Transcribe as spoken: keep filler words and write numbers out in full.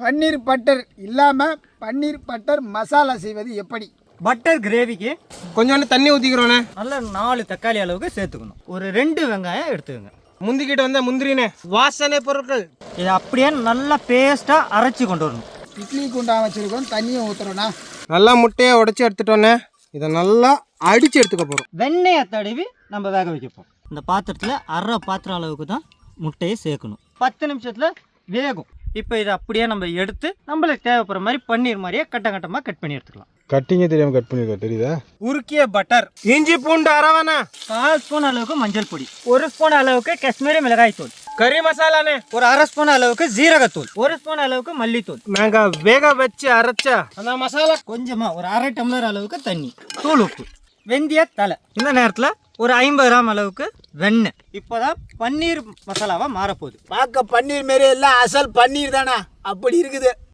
பன்னீர் butter இல்லாமல் பன்னீர் butter masala செய்வது எப்படி? பட்டர் கிரேவிக்கு கொஞ்சோண்டு தண்ணி ஊற்றிக்கிறோண்ணே. நல்லா நாலு தக்காளி அளவுக்கு சேர்த்துக்கணும். ஒரு ரெண்டு வெங்காயம் எடுத்துக்கோங்க. முந்திக்கிட்டு வந்த முந்திரினே வாசனை பொருட்கள் இதை அப்படியே நல்லா பேஸ்ட்டாக அரைச்சி கொண்டு வரணும். இட்லி குண்டா வச்சுருக்கோம், தண்ணியை ஊற்றுறோண்ணா. நல்லா முட்டையை உடச்சி எடுத்துட்டோன்னே. இதை நல்லா அடித்து எடுத்துக்க போகிறோம். வெண்ணெயை தடவி நம்ம வேக வைக்கப்போம். இந்த பாத்திரத்தில் அரை பாத்திரம் அளவுக்கு தான் முட்டையை சேர்க்கணும். பத்து நிமிஷத்தில் வேகும். இப்போ இதை அப்படியே நம்ம எடுத்து நம்மளுக்கு தேவைப்படுற மாதிரி பன்னீர் மாதிரியே கட்ட கட்டமாக கட் பண்ணி எடுத்துக்கலாம். கட்டிங்கே தெரியாமல் கட் பண்ணிருக்க தெரியுதா? உருக்கிய பட்டர், இஞ்சி பூண்டு அரவணா, கால் ஸ்பூன் அளவுக்கு மஞ்சள் பொடி, ஒரு ஸ்பூன் அளவுக்கு காஷ்மீரி மிளகாய் தூள், கறி மசாலானே, ஒரு அரை ஸ்பூன் அளவுக்கு ஜீரகத்தூள், ஒரு ஸ்பூன் அளவுக்கு மல்லித்தூள். நாங்கள் வேக வச்சு அரைச்சா அந்த மசாலா கொஞ்சமாக ஒரு அரை டம்ளர் அளவுக்கு தண்ணி, தூள் உப்பு, வெந்தய தலை. இந்த நேரத்தில் ஒரு ஐம்பது கிராம் அளவுக்கு வெண்ணெய். இப்போதான் பன்னீர் மசாலாவாக மாறப்போகுது. பார்க்க பன்னீர் மாரி எல்லாம் அசல் பன்னீர் தானே, அப்படி இருக்குது.